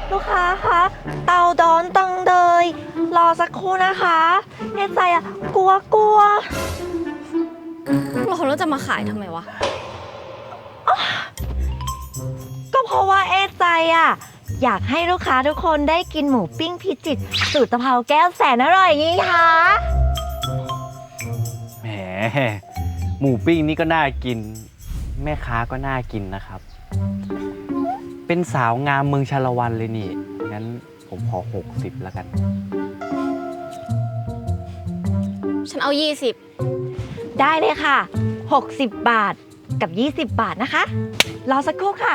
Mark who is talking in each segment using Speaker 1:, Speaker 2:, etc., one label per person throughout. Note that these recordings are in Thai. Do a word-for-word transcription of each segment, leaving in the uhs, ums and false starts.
Speaker 1: ลูกค้าคะเตาดอนตังเดยรอสักครู่นะคะเอใจอะกลัวกลัว
Speaker 2: เราแล้วจะมาขายทำไมวะ
Speaker 1: ก็เพราะว่าเอใจอะอยากให้ลูกค้าทุกคนได้กินหมูปิ้งพิจิตรสูตรตะเภาแก้วแสนอร่อยงี้คะ
Speaker 3: แหมหมูปิ้งนี่ก็น่ากินแม่ค้าก็น่ากินนะครับเป็นสาวงามเมืองชาละวันเลยนี่งั้นผมขอหกสิบแล้วกัน
Speaker 2: ฉันเอายี่สิบ
Speaker 1: ได้เลยค่ะหกสิบบาทกับยี่สิบบาทนะคะรอสักครู่ค่ะ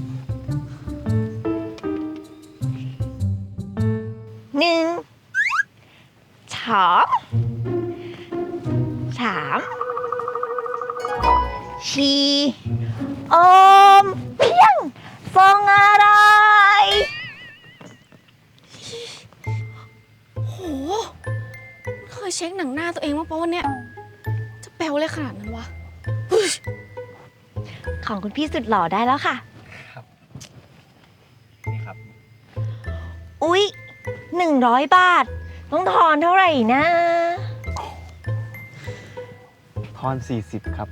Speaker 1: หนึ่งสองสามสี่โอมเพียงฟองอะไร
Speaker 2: โหเคยเช็คหนังหน้าตัวเองมาปะวันเนี้ยจะแปลวเลยขนาดนั้นวะ
Speaker 1: ของคุณพี่สุดหล่อได้แล้วค่ะ
Speaker 3: ครับนี่ครับ
Speaker 1: อุ๊ยหนึ่งร้อยบาทต้องทอนเท่าไหร่นะ
Speaker 3: ทอนสี่สิบครับ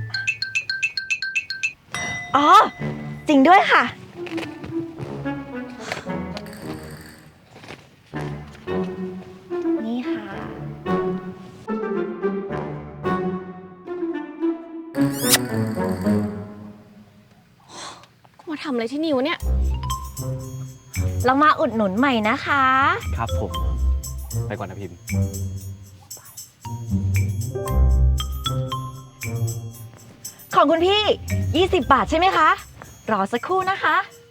Speaker 1: อ๋อจริงด้วยค่ะนี่ค่ะ
Speaker 2: กูมาทำอะไรที่นี่วะเนี่ย
Speaker 1: เรามาอุดหนุนใหม่นะคะ
Speaker 3: ครับผมไปก่อนนะพิมพ์
Speaker 1: ของคุณพี่ยี่สิบบาทใช่ไหมคะรอสักครู่นะคะ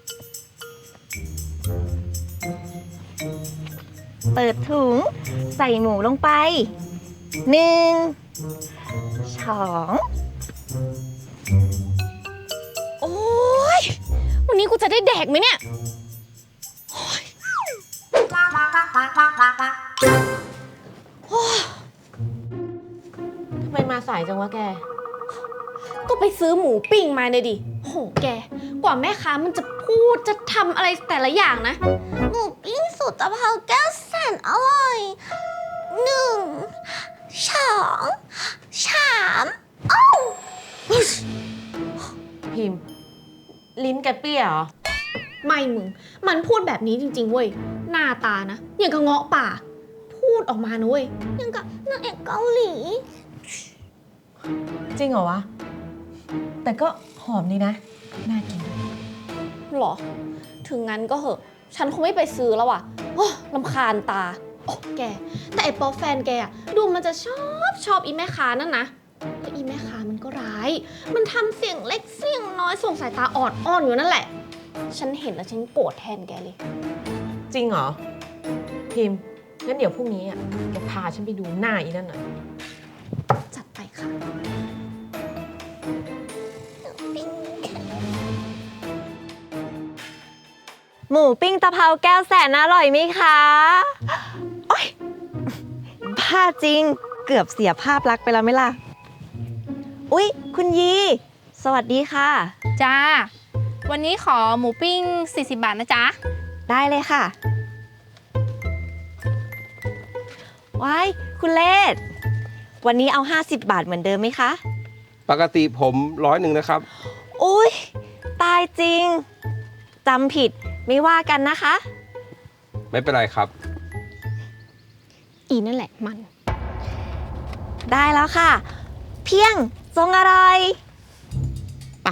Speaker 1: เปิดถุงใส่หมูลงไปหนึ่งสอง
Speaker 2: โอ๊ยวันนี้กูจะได้แดกไหมเนี่ย
Speaker 4: ทำไมมาสายจังวะแก
Speaker 2: ก็ไปซื้อหมูปิ้งมาเลยดิโหแกกว่าแม่ค้ามันจะพูดจะทำอะไรแต่ละอย่างนะหมูปิ้งสูตรตะเภาแก้วแสนอร่อยหนึ่งสองสามเอ้า
Speaker 4: พิมพ์ลิ้นแกเปี้ยเหรอ
Speaker 2: ไม่มึงมันพูดแบบนี้จริงๆเว้ยหน้าตานะอย่างกับเงาะป่าพูดออกมานะเว้ยอย่างกับนางเอกเกาหลี
Speaker 4: จริงเหรอวะแต่ก็หอมดีนะน่ากิน
Speaker 2: หรอถึงงั้นก็เหอะฉันคงไม่ไปซื้อแล้วอ่ะโอ้รำคาญตาโอ้แกแต่ไอ้ป๊อปแฟนแกอะดูมันจะชอบชอบอีแม่ค้านั่นนะแล้วอีแม่ค้ามันก็ร้ายมันทำเสียงเล็กเสียงน้อยส่งสายตาออดอ้อนอยู่นั่นแหละฉันเห็นแล้วฉันโกรธแทนแกเลย
Speaker 4: จริงเหรอพิมพ์งั้นเดี๋ยวพรุ่งนี้อ่ะแกพาฉันไปดูหน้าอีนั่นหน่อย
Speaker 2: จัดไปค่ะ
Speaker 1: หมูปิ้งตะเภาแก้วแสนอร่อยไหมคะโอ๊ยบ้าจริงเกือบเสียภาพลักษณ์ไปแล้วไหมล่ะอุ๊ยคุณยีสวัสดีค่ะ
Speaker 5: จ้าวันนี้ขอหมูปิ้งสี่สิบบาทนะจ๊ะ
Speaker 1: ได้เลยค่ะว้ายคุณเลศวันนี้เอาห้าสิบบาทเหมือนเดิมไหมคะ
Speaker 6: ปกติผมร้อยหนึ่งนะครับ
Speaker 1: อุ๊ยตายจริงจำผิดไม่ว่ากันนะคะ
Speaker 6: ไม่เป็นไรครับ
Speaker 2: อีนั่นแหละมัน
Speaker 1: ได้แล้วค่ะเพียงทรงอะไร
Speaker 4: ป่ะ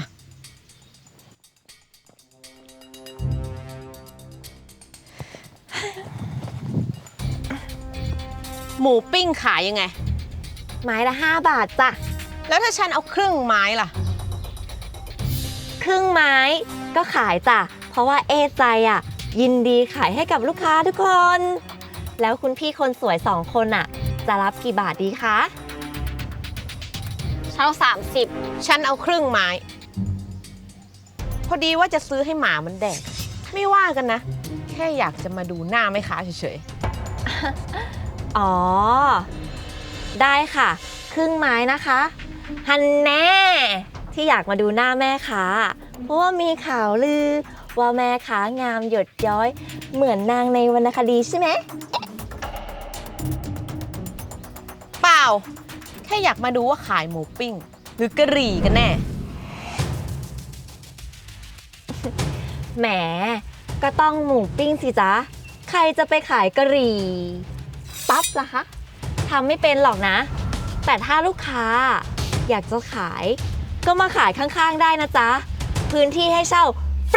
Speaker 4: หมูปิ้งขายยังไง
Speaker 1: ไม้ละห้าบาทจ้ะ
Speaker 4: แล้วถ้าฉันเอาครึ่งไม้ล่ะ
Speaker 1: ครึ่งไม้ก็ขายจ้ะเพราะว่าเอใจอ่ะยินดีขายให้กับลูกค้าทุกคนแล้วคุณพี่คนสวยสองคนอ่ะจะรับกี่บาทดีคะ
Speaker 4: ฉันเอาสามสิบฉันเอาครึ่งไม้พอดีว่าจะซื้อให้หมามันแดกไม่ว่ากันนะแค่อยากจะมาดูหน้าแม่ค้าเฉย
Speaker 1: ๆอ๋อได้ค่ะครึ่งไม้นะคะฮันแน่ที่อยากมาดูหน้าแม่ค้าเพราะว่ามีข่าวลือว่าแม่ขางามหยดย้อย เหมือนนางในวรรณคดีใช่ไหม
Speaker 4: เปล่า แค่อยากมาดูว่าขายหมูปิ้ง หรือกะหรี่กันแน่
Speaker 1: แหม ก็ต้องหมูปิ้งสิจ๊ะ ใครจะไปขายกะหรี่ปั๊บล่ะคะทำไม่เป็นหรอกนะ แต่ถ้าลูกค้าอยากจะขาย ก็มาขายข้างๆได้นะจ๊ะ พื้นที่ให้เช่าฟรี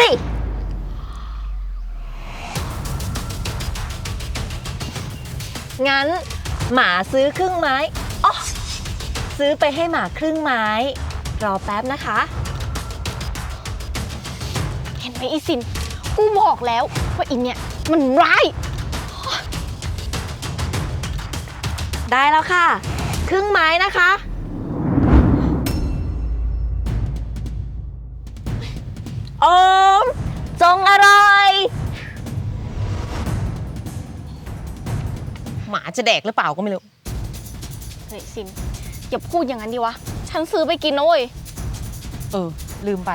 Speaker 1: งั้นหมาซื้อครึ่งไม้อ๋อซื้อไปให้หมาครึ่งไม้ รอแป๊บนะคะ
Speaker 2: เห็นไหมอีซิน กูบอกแล้วว่าอีเนี่ยมันร้าย
Speaker 1: ได้แล้วค่ะ ครึ่งไม้นะคะ โอม จงอร่อย
Speaker 4: หมาจะแดกหรือเปล่าก็ไม่รู้
Speaker 2: เฮ้ยซิน อย่าพูดอย่างนั้นดิวะ ฉันซื้อไปกินนะเว้ย
Speaker 4: เออ ลืมไป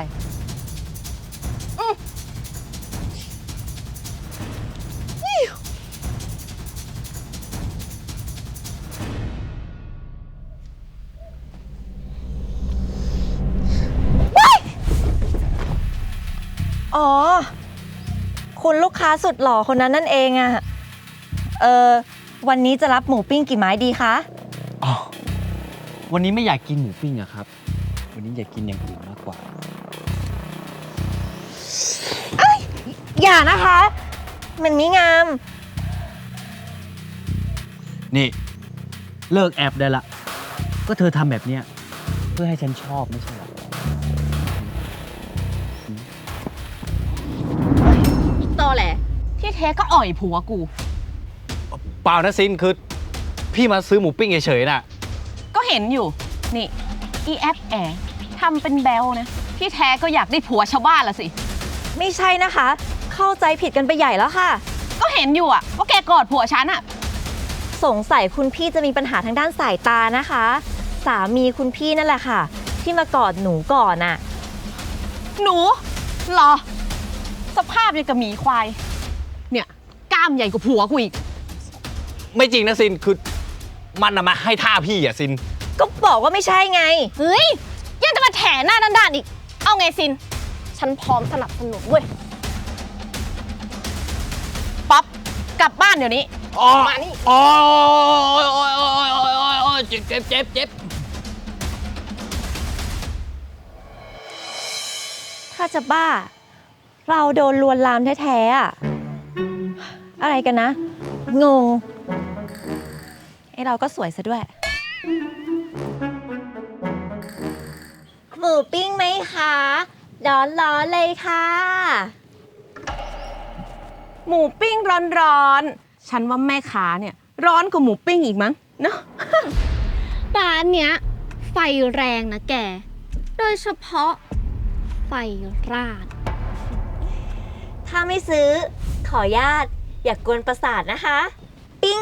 Speaker 1: อ๋อ คุณลูกค้าสุดหล่อคนนั้นนั่นเองอะเออวันนี้จะรับหมูปิ้งกี่ไม้ดีคะ
Speaker 3: อ๋อ วันนี้ไม่อยากกินหมูปิ้งอะครับ วันนี้อยากกินอย่างอื่นมากกว่า
Speaker 1: อย่านะคะ มันไม่งาม
Speaker 3: นี่ เลิกแอบได้ละ ก็เธอทำแบบเนี้ยเพื่อให้ฉันชอบไม่ใช่เหรอ
Speaker 2: อีตอแหละ ที่แท้ก็อ่อยผัวกู
Speaker 3: เปล่านะซิน คือ พี่มาซื้อหมูปิ้งเฉยๆน่ะ
Speaker 2: ก็เห็นอยู่ นี่ อีแอปแอทำเป็นแบลนะ ที่แท้ก็อยากได้ผัวชาวบ้านละสิ
Speaker 1: ไม่ใช่นะคะ เข้าใจผิดกันไปใหญ่แล้วค่ะ
Speaker 2: ก็เห็นอยู่อะว่าแกกอดผัวฉันอะ
Speaker 1: สงสัยคุณพี่จะมีปัญหาทางด้านสายตานะคะ สามีคุณพี่นั่นแหละค่ะ ที่มากอดหนูก่อนน่ะ
Speaker 2: หนูเหรอ สภาพยังกับหมีควาย เนี่ยกล้ามใหญ่กว่าผัวกูอีก
Speaker 3: ไม่จริงนะซิน คือมันน่ะมาให้ท่าพี่อะซิน
Speaker 1: ก็บอกว่าไม่ใช่ไง
Speaker 2: เฮ้ย ยังจะมาแถหน้าด้านๆอีก เอาไงซิน ฉันพร้อมสนับสนุนเว้ย ป๊อป กลับบ้านเดี๋ยวนี้
Speaker 3: อ๋อ
Speaker 2: มานี่
Speaker 3: อ๋อโอ้ยโอ้ยโอ้ยโอ้ยโอ้ยโอ้ยเจ็บเจ็บเจ็บเจ็บ
Speaker 1: ถ้าจะบ้า เราโดนลวนลามแท้ๆอะอะไรกันนะ งงไอเราก็สวยซะด้วย หมูปิ้งไหมคะร้อนๆเลยค่ะ
Speaker 4: หมูปิ้งร้อนๆ ฉันว่าแม่ค้าเนี่ย ร้อนกว่าหมูปิ้งอีกมั้งเนาะ
Speaker 2: ร้านเนี้ย ไฟแรงนะแก โดยเฉพาะไฟราด
Speaker 1: ถ้าไม่ซื้อ ขอญาตอย่ากกวนประสาทนะคะ ปิ้ง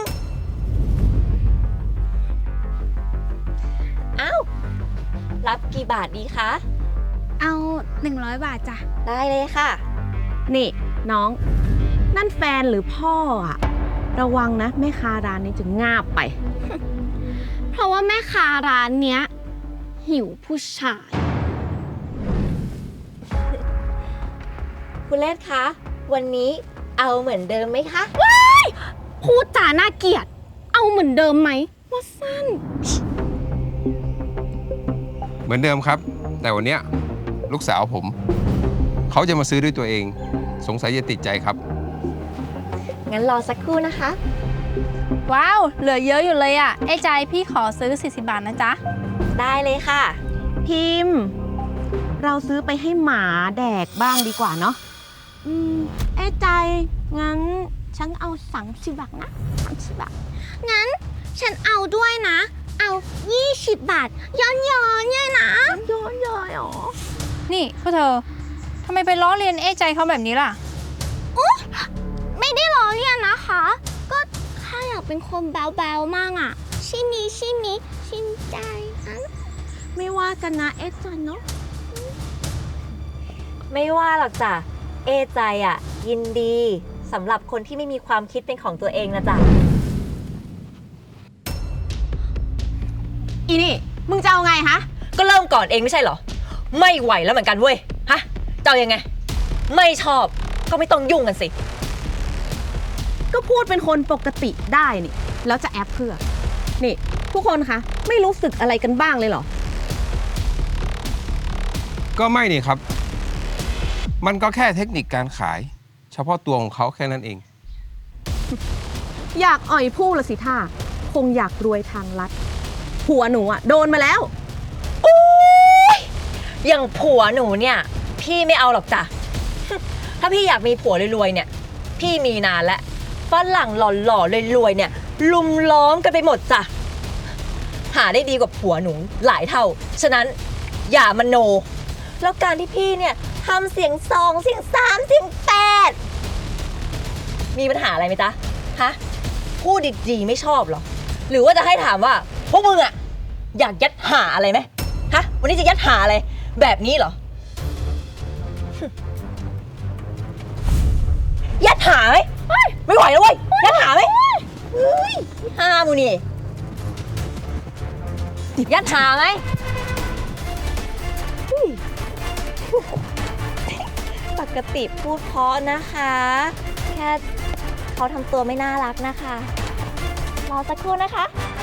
Speaker 1: อ้าว รับกี่บาทดีคะ
Speaker 5: เอาหนึ่งร้อยบาทจ้ะ
Speaker 1: ได้เลยค่ะ
Speaker 4: นี่น้อง นั่นแฟนหรือพ่ออะระวังนะ แม่ค้าร้านนี้จะงาบไป
Speaker 2: เพราะว่าแม่ค้าร้านเนี้ย หิวผู้ชาย
Speaker 1: คุณเลศคะ วันนี้เอาเหมือนเดิมไหมคะ
Speaker 2: พูดจาน่าเกลียด เอาเหมือนเดิมไหมว่าสั้น
Speaker 6: เหมือนเดิมครับ แต่วันเนี้ยลูกสาวผม เขาจะมาซื้อด้วยตัวเอง สงสัยจะติดใจครับ
Speaker 1: งั้นรอสักครู่นะคะ
Speaker 5: ว้าว เหลือเยอะอยู่เลยอ่ะ ไอ้ใจพี่ขอซื้อ สี่สิบบาทนะจ๊ะ
Speaker 1: ได้เลยค่ะ
Speaker 4: พิมพ์ เราซื้อไปให้หมาแดกบ้างดีกว่าเนาะ อืมเอ้ใจ งั้น ฉันเอาสามสิบบาทนะสามสิบบาท
Speaker 2: งั้นฉันเอาด้วยนะ เอายี่สิบบาท ย้อนย้อนเนี่ยนะ
Speaker 4: ย้อนย้อยอ๋อ
Speaker 5: นี่พวกเธอทำไมไปล้อเลียนไอ้ใจเขาแบบนี้ล่ะ
Speaker 2: ไม่ได้ล้อเลียนนะคะ ก็ข้าอยากเป็นคนแบวๆมากอ่ะ ชิมิชิมิชิมใจอ่ะ
Speaker 4: ไม่ว่ากันนะเอสจันเนาะ
Speaker 1: ไม่ว่าหรอกจ้ะ เอใจอ่ะ ยินดีสำหรับคนที่ไม่มีความคิดเป็นของตัวเองนะจ๊ะ
Speaker 4: อีนี่ มึงจะเอาไงฮะ
Speaker 1: ก็เริ่มก่อนเองไม่ใช่เหรอ ไม่ไหวแล้วเหมือนกันเว้ย ฮะจะเอายังไง ไม่ชอบก็ไม่ต้องยุ่งกันสิ
Speaker 4: ก็พูดเป็นคนปกติได้นี่ แล้วจะแอปเพื่อ นี่ ทุกคนคะ ไม่รู้สึกอะไรกันบ้างเลยเหรอ
Speaker 6: ก็ไม่นี่ครับ มันก็แค่เทคนิคการขาย เฉพาะตัวของเขาแค่นั้นเอง
Speaker 4: อยากอ่อยผู้ละสิท่า คงอยากรวยทางลัด ผัวหนูอะโดนมาแล้ว
Speaker 1: อย่างผัวหนูเนี่ย พี่ไม่เอาหรอกจ้ะ ถ้าพี่อยากมีผัวรวยๆเนี่ย พี่มีนานแล้วฝรั่งหล่อๆรวยๆเนี่ย ลุมล้อมกันไปหมดจ้ะ หาได้ดีกว่าผัวหนูหลายเท่า ฉะนั้นอย่ามโน แล้วการที่พี่เนี่ยทำเสียงสองเสียงสามเสียงแปดมีปัญหาอะไรไหมจ๊ะ ฮะ พูดดีๆไม่ชอบเหรอ หรือว่าจะให้ถามว่า พวกมึงอะอยากยัดหาอะไรไหมฮะ วันนี้จะยัดหาอะไร แบบนี้เหรอ ยัดหาไหมเฮ้ยไม่ไหวแล้วเว้ย ยัดหาไหมเฮ้ยห้ามูนี่ ยัดหาไหมอุ๊ยปกติพูดเพราะนะคะ แค่เขาทำตัวไม่น่ารักนะคะ รอสักครู่นะคะ